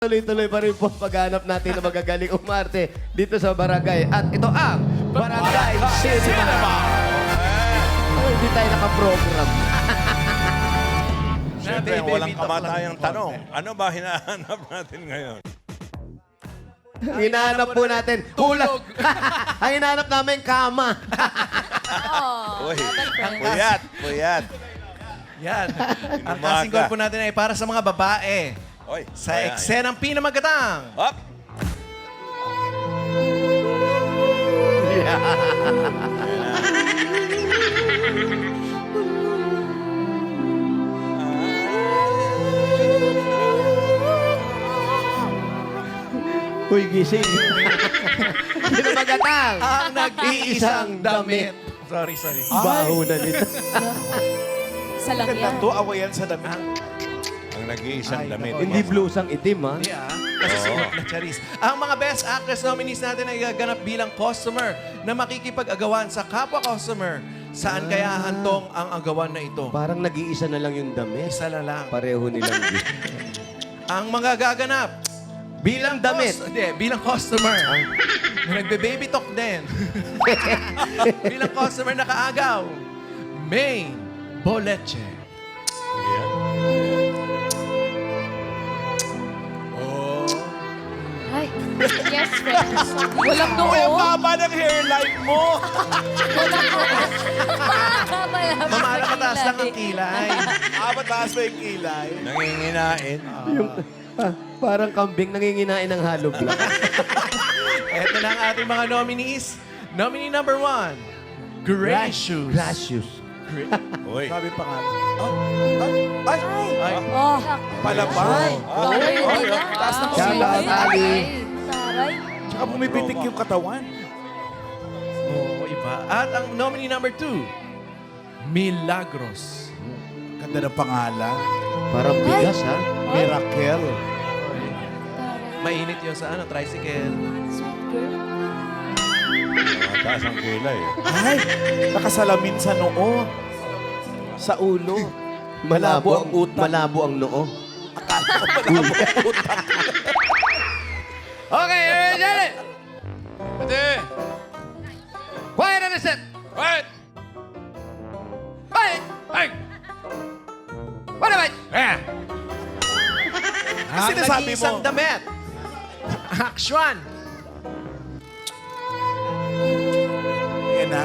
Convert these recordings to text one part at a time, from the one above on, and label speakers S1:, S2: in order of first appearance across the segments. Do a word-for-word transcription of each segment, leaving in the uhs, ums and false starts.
S1: Tuloy-tuloy pa rin po ang paghanap natin na magagaling umarte dito sa barangay. At ito ang Barangay Cinema. Oh, hindi tayo nakaprogram.
S2: Siyempre, walang kamatayang tanong. Ano ba hinahanap natin ngayon?
S1: Hinahanap po natin. Tulog. Ang hinahanap namin, kama.
S2: Uy, puyat, puyat.
S3: Yan. Ang
S2: Inumaga.
S3: casting call po natin ay para sa mga babae.
S2: Oy,
S3: Sa
S2: ayan.
S3: eksenang pinamagatang.
S2: Hop!
S1: Uy, gising. Pinamagatang.
S3: Ang nag-iisang damit. Sorry, sorry.
S1: Baho na nito.
S4: Isa lang yan.
S5: Ito, awayan sa damit.
S2: Ang nag-iisang
S3: Ay,
S2: damit.
S3: nako.
S1: Hindi blusang itim, ha?
S3: Hindi ah. Kasi suot na charis. Ang mga best actress nominees natin ay gaganap bilang customer na makikipag-agawan sa kapwa customer. Saan kaya hantong ang agawan na ito?
S1: Parang nag-iisa na lang yung damit.
S3: Isa na lang.
S1: Pareho nilang
S3: Ang mga gaganap
S1: bilang damit.
S3: Cus- Hindi, bilang customer. Na nagbe-baby talk din. bilang customer na kaagaw. May Boleche.
S2: Ayan.
S3: Oh.
S4: Ay, yes, friends. Walang noo.
S5: Uy, ang baba ng hairline mo!
S3: Mamala mataas lang ang kilay.
S5: ah, mataas pa yung kilay.
S2: Nanginginain.
S1: Yung, ah, parang kambing nanginginain ng hollow block.
S3: Ito na ang ating mga nominees. Nominee number one, Gracious.
S1: Gracious.
S2: Uy.
S5: Sabi pa nga. Oh, ay, ay,
S3: Ay,
S4: Oh,
S5: palabay.
S4: Taray
S5: Oh,
S4: na.
S5: taas na
S1: Shout out, Ali.
S4: Taray.
S5: Tsaka bumipitik yung katawan.
S3: oo, iba. At ang nominee number two, Milagros.
S5: Ganda ng pangalan.
S1: Parang bigas, ha?
S5: Miracle.
S3: Mainit yun sa ano, tricycle.
S4: Sweet girl.
S2: Mataas ang kilay.
S5: Ay, nakasalamin sa noo. Sa ulo.
S1: Malabo ang
S5: Malabo ang utak.
S1: Malabo ang noo.
S6: Okay, ready? Ready? Quiet on the set. Quiet. Quiet. Hey. What about? Yeah.
S5: Ang sinasabi
S3: Nag-iisang
S5: mo.
S3: damit. Action.
S5: Yan na.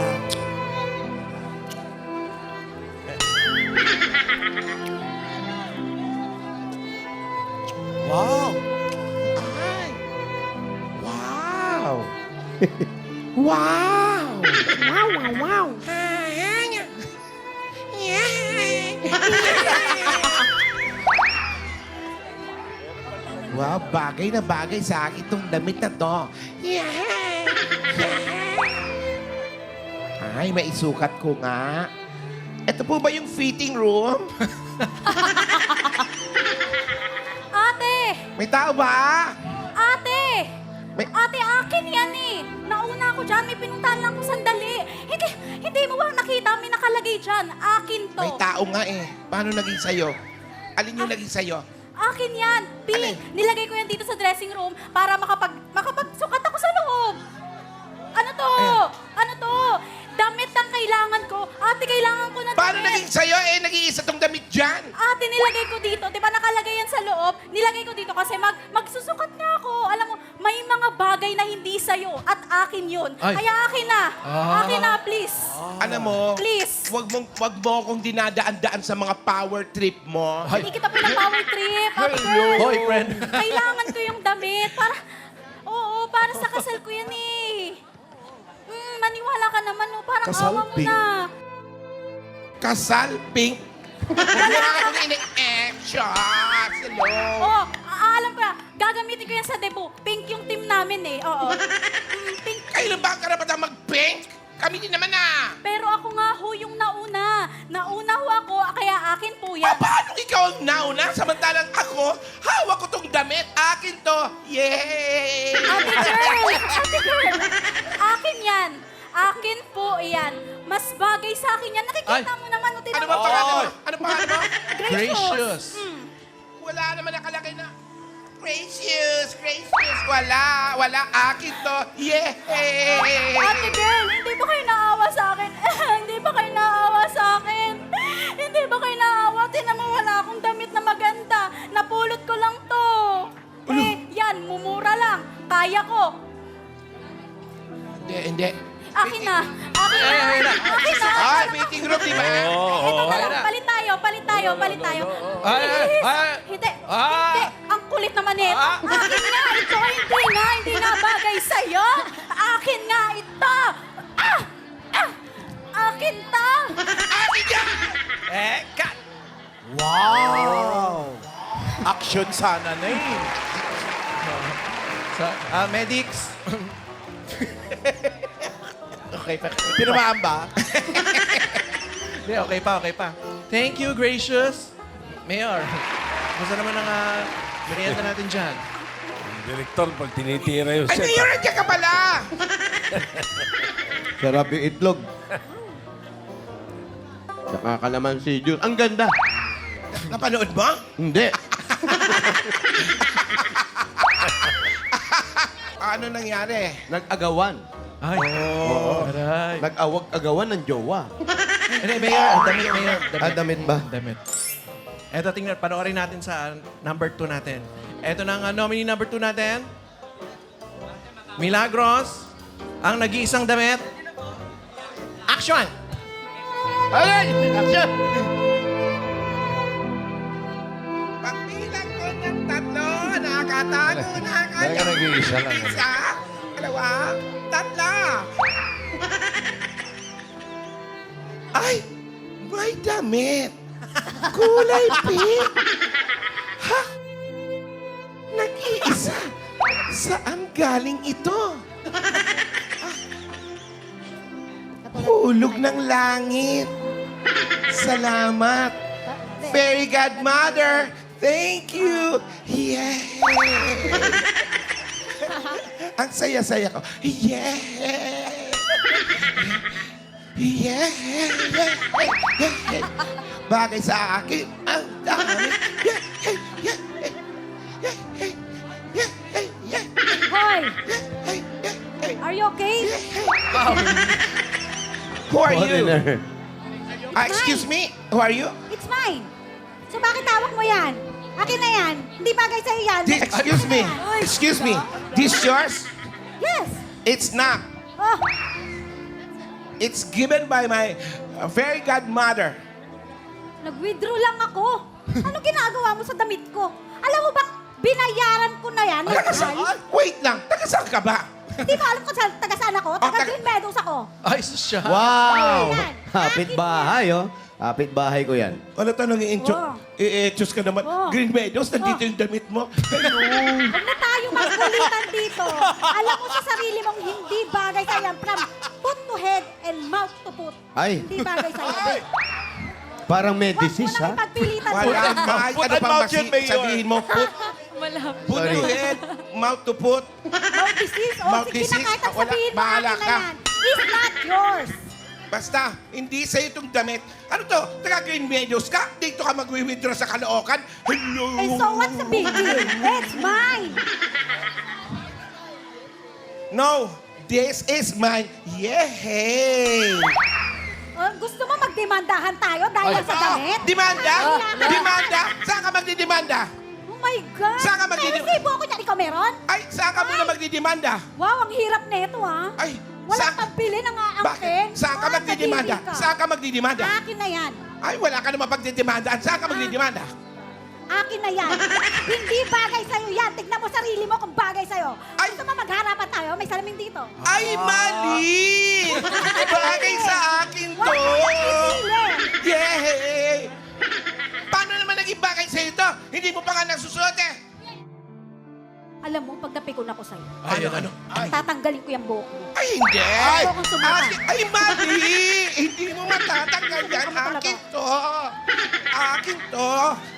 S5: Wow. Ay. Wow. wow. Wow, wow, wow.
S7: Wow, bagay na bagay sa akin itong damit na to. Ay, maisukat ko nga. Ito po ba yung fitting room?
S4: Ate!
S7: May tao ba?
S4: Ate!
S7: May-
S4: Ate, akin yan eh. Nauna ako dyan. May pinuntahan lang ko sandali. Hindi, hindi mo ba nakita? May nakalagay dyan. Akin to.
S7: May tao nga eh. Paano naging sayo? Alin yung naging sayo?
S4: Akin yan.
S7: Alin?
S4: Pink. Nilagay ko yan dito sa dressing room para makapag, makapagsukat ako sa loob. Ano to? Ano to? Damit ang kailangan ko. Ate, kailangan ko na
S7: Paano
S4: damit.
S7: naging sayo? Eh, nag-iisa tong damit dyan.
S4: Ate, nilagay ko dito. Di ba nakalagay yan sa loob? Nilagay ko dito kasi mag, magsusukat nga ako. Alam mo, may mga bagay na hindi sa'yo at akin yun.
S3: Ay.
S4: Kaya akin na. Akin na, please.
S7: Alam mo,
S4: Please.
S7: wag mong wag mo akong dinadaan-daan sa mga power trip mo.
S4: Hindi kita pinapower trip. Ate girl.
S3: Hoy, friend.
S4: Kailangan ko yung damit. Para, oo, para sa kasal ko yan eh. Mm, maniwala ka naman, no? Parang
S5: Kasal,
S4: awa mo
S5: pink.
S4: na.
S7: Kasal, pink. Wala akong ini-action. Hello.
S4: Oo, a- alam ko na. Gagamitin ko yan sa debut. Pink yung team namin eh. Oo. Mm, pink.
S7: Kailan ba ang karapatang mag-pink? Kami din naman ah.
S4: Pero ako nga ho yung nauna. Nauna ho ako, kaya akin po yan.
S7: Pa- Paano ikaw ang nauna? Samantalang ako, hawak ko tong damit. Akin to. Yay!
S4: Ate girl! Ate girl! Akin yan. Akin po yan. Mas bagay sa akin yan. Nakikita
S3: Ay.
S4: mo naman. O, tinan
S7: Ano
S4: mo.
S7: ba pangalan mo? Ano pangalan mo?
S3: Gracious.
S4: Mm.
S7: Wala naman nakalagay na. Gracious! Gracious! Wala! Wala! Akin to! Yeah!
S4: Ate Bel, hindi ba kayo naawa sa akin? Hindi ba kayo naawa sa akin? Hindi ba kayo naawa? Tinan mo, wala akong damit na maganda. Napulot ko lang to. Eh, yan, mumura lang. Kaya ko.
S7: Hindi, hindi.
S4: Akin na. Akin na.
S3: Ay, ay, ay.
S4: Akin na.
S7: Ah, meeting room, di ba?
S4: Ito na
S3: ay,
S4: lang.
S3: na.
S4: Palit tayo, palit tayo, palit tayo.
S3: Ay, ay,
S4: Please.
S3: ay.
S4: Hindi,
S3: Ah.
S4: hindi. Ang kulit naman nito.
S3: Ah.
S4: Akin nga ito. Hindi nga, hindi nga bagay sa'yo. Akin nga ito. Ah! Ah! Akin to.
S3: Eh, cut!
S5: Wow! Action sana na eh.
S3: Sa, ah, medics. Okay pa.
S5: Pinamaan ba?
S3: Hindi, okay pa, okay pa. Thank you, gracious. Mayor, basta naman ang uh, merienda natin dyan.
S2: Direktor, pag tinitira yung
S7: Ay,
S2: set.
S7: Mayor, nandiyan ka pala!
S1: Sarap yung itlog. Nakakalaman si Jun. Ang ganda.
S7: Napanood mo?
S1: Hindi.
S7: Ano nangyari?
S1: Nag-agawan.
S3: Ay, oh. Aray.
S1: Nag-awag-agawan ng jowa.
S3: Hindi, Mayor, ang damit, Mayor.
S1: Ah, damit ba?
S3: Damit. Eto, tingnan, panoorin natin sa number two natin. Eto na ang uh, nominee number two natin. Milagros, ang nag-iisang damit. Action!
S1: Ay! Action!
S7: Pagbilang ko ng tatlo, nakakatago,
S2: Talaga
S7: nakakatago.
S2: nag-iisa lang.
S7: Isa, dalawa, tatlo. Ay, may damit. Kulay pink. Ha? Nag-iisa. Saan galing ito? Hulog ng langit. Salamat. Fairy Godmother, thank you. Yeah. Ang saya-saya ko. Yeah. Yeah. Bagay sa akin. Ang dami. Yeah. Yeah. Yeah. Yeah. Yeah.
S4: Hoy,
S7: Yeah. Yeah.
S4: are you okay?
S7: Who are you?
S1: Foreigner.
S7: Ah, excuse me? Who are you?
S4: It's mine. So bakit hawak mo yan? Akin na yan. Hindi bagay sa'yo yan.
S7: This, excuse me. Excuse me. This yours?
S4: Yes.
S7: It's not.
S4: Oh,
S7: It's given by my uh, fairy godmother.
S4: nag-withdraw lang ako. Ano ginagawa mo sa damit ko? Alam mo ba, binayaran ko na yan.
S7: Taga
S4: Nag-
S7: saan? Wait lang. Taga saan ka ba?
S4: Hindi mo alam kung saan, taga saan ako? Taga
S7: taga-
S4: Green Meadows ako.
S3: Ay, siya.
S1: Wow!
S4: Ayan.
S1: Kapit bahay, oh. Kapit bahay ko yan.
S7: Ano tanong i-enchos?
S4: Oh.
S7: I-enchos ka naman.
S4: Oh.
S7: Green Meadows, nandito
S4: Oh.
S7: yung damit mo. Hello.
S4: Huwag na tayo magkulitan dito. Alam mo sa sarili mong hindi bagay sa yan. From foot to head and mouth to foot.
S1: Ay.
S4: Hindi bagay sa yan.
S1: Parang
S4: Huwag mo
S1: medicis,
S4: na
S1: ha?
S4: ipagpilitan
S7: Wala
S4: dito.
S7: ka.
S5: Put
S7: Ano
S5: and
S7: pang
S5: mouth
S7: masi-
S5: yun, Mayor.
S7: sabihin mo? Put,
S4: Malapit.
S7: put
S1: Sorry.
S7: to head, mouth to put.
S4: Mouth disease. O,
S7: Mouth
S4: sige
S7: disease.
S4: na kahit ang
S7: Ah, wala.
S4: sabihin mo,
S7: Bahala
S4: akin na
S7: ka.
S4: yan. It's not yours.
S7: Basta, hindi sa'yo itong damit. Ano to? Taga Green Meadows ka? Dito ka mag-withdraw sa Caloocan? Hello.
S4: And so what's the big deal? It's mine.
S7: No, this is mine. Yay!
S4: Oh, gusto mo magdemandahan tayo dahil sa damit?
S7: Demanda?
S4: Ay,
S7: Demanda? Saan ka magdidemanda?
S4: Oh my God!
S7: Saan ka
S4: May
S7: magdidim-
S4: resibo ako niyan. Ikaw meron?
S7: Ay, saan ka muna magdidemanda?
S4: Wow, ang hirap nito ha.
S7: Ay,
S4: Walang
S7: saan-
S4: pambili ng aangkin.
S7: Bakit? Saan ka magdidemanda? Saan ka magdidemanda?
S4: Akin na yan.
S7: Ay, wala ka naman pagdidemandaan. Saan ka magdidemanda?
S4: Akin na yan. Hindi bagay sa'yo yan. Tignan mo sarili mo kung bagay sa'yo.
S7: Ay!
S4: Gusto mo magharapan tayo? May salamin dito.
S7: Ay, mali! Bagay sa akin to!
S4: Huwag mo ipili.
S7: Yay! Paano naman naging bagay sa'yo to? Hindi mo pa nga nasusuot eh!
S4: Alam mo, pag napikon ako sa'yo,
S3: Ay, ano?
S7: Ay,
S4: tatanggalin ko yung buhok mo.
S7: ay hindi!
S4: Ayaw kong sumuka.
S7: Akin- Ay, mali! Hindi mo matatanggal yan.
S4: Ano talaga?
S7: Akin to! Akin to!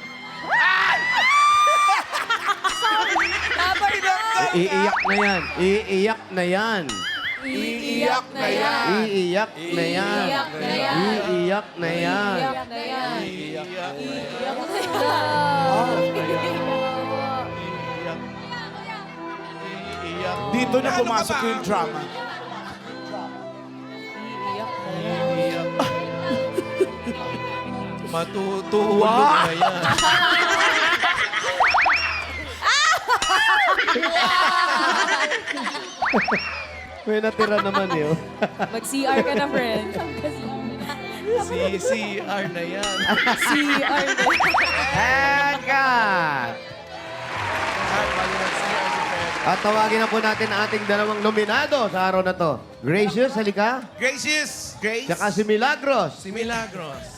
S1: Iiyak na yan. Iiyak na yan.
S4: Iiyak na yan.
S1: Iiyak na yan.
S4: Iiyak na yan.
S1: Iiyak na yan.
S4: na yan. Iiyak na yan.
S5: Dito na pumasok yung drama.
S3: Matutulog na yan.
S1: May natira naman yun.
S4: Mag-C R ka na, friend.
S3: C C R na yan.
S4: C R na.
S1: And cut! At tawagin na po natin ang ating dalawang nominado sa araw na to. Gracious, halika.
S7: Gracious! Grace!
S1: Tsaka si Milagros.
S3: Si Milagros.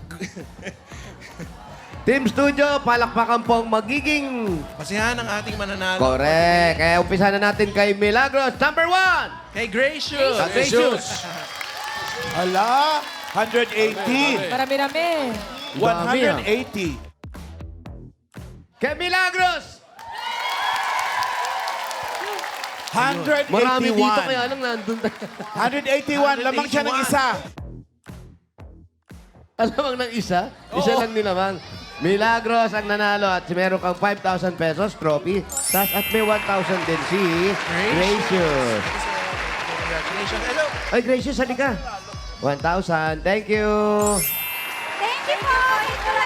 S1: Team Studio, palakpakan pong magiging...
S3: Pasihan ang ating mananalo.
S1: Correct. Kaya umpisa na natin kay Milagros. Number one!
S3: Kay Gracious.
S1: Gracious.
S5: Hala, one hundred eighty.
S4: Marami-rami.
S5: one
S1: ah.
S5: hundred eighty.
S1: Kay Milagros!
S5: one hundred
S1: Marami dito
S5: eighty-one.
S1: kaya lang nandun.
S5: one hundred eighty-one. Lamang siya ng isa.
S1: Alamang ng isa? Isa lang nilamang. Milagros ang nanalo at meron kang five thousand pesos trophy. Tas at may one thousand din si Gracious.
S3: Congratulations. Hello.
S1: Ay, Gracious, halika. one thousand. Thank you.
S4: Thank you po. Maraming